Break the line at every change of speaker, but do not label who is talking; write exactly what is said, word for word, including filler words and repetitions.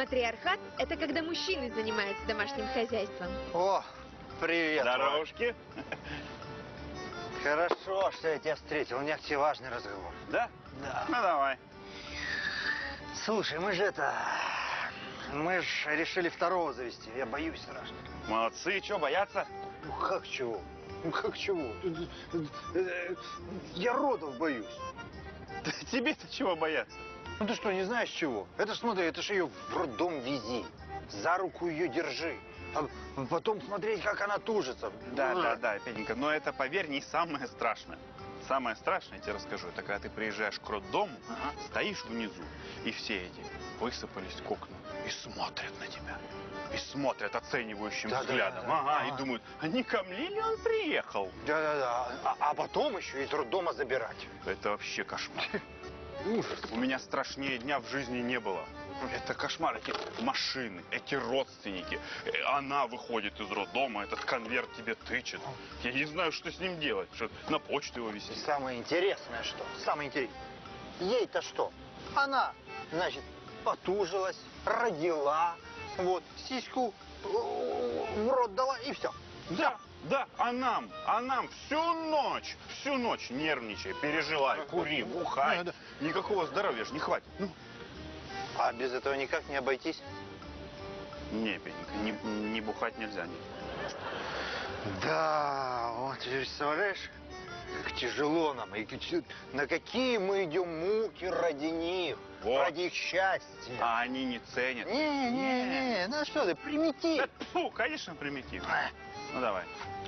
Матриархат – это когда мужчины занимаются домашним хозяйством.
О, привет.
Здоровушки.
Хорошо, что я тебя встретил. У меня к тебе важный разговор.
Да?
Да.
Ну, давай.
Слушай, мы же это... Мы же решили второго завести. Я боюсь страшно.
Молодцы. Чего, бояться?
Ну, как чего? Ну, как чего? Я родов боюсь.
Тебе-то чего бояться?
Ну, ты что, не знаешь чего? Это ж, смотри, это ж ее в роддом вези. За руку ее держи. А потом смотреть, как она тужится.
Да, да, да, Петенька, но это, поверь, не самое страшное. Самое страшное, я тебе расскажу, это когда ты приезжаешь к роддому, ага, стоишь внизу, и все эти высыпались к окнам и смотрят на тебя. И смотрят оценивающим
да,
взглядом.
Да, да,
ага,
ага,
и думают, а не ко мне ли он приехал?
Да-да-да, а, а потом еще из роддома забирать.
Это вообще кошмар.
Ужас.
У меня страшнее дня в жизни не было. Это кошмар. Эти машины, эти родственники. Она выходит из роддома, этот конверт тебе тычет. Я не знаю, что с ним делать. Что на почту его висит.
И самое интересное, что? Самое интересное. Ей-то что? Она, значит, потужилась, родила, вот, сиську в рот дала и все.
Да, да, а нам, а нам всю ночь, всю ночь нервничай, переживай, кури, бухай. Да, да. Никакого здоровья же не хватит. Ну.
А без этого никак не обойтись?
Не, Петенька, не, не бухать нельзя. Нет.
Да, вот теперь представляешь, как тяжело нам, и на какие мы идем муки ради них, вот. Ради их счастья.
А они не ценят.
Не, не, не, ну что ты, примитив.
Да, фу, конечно, примитив. Ну давай.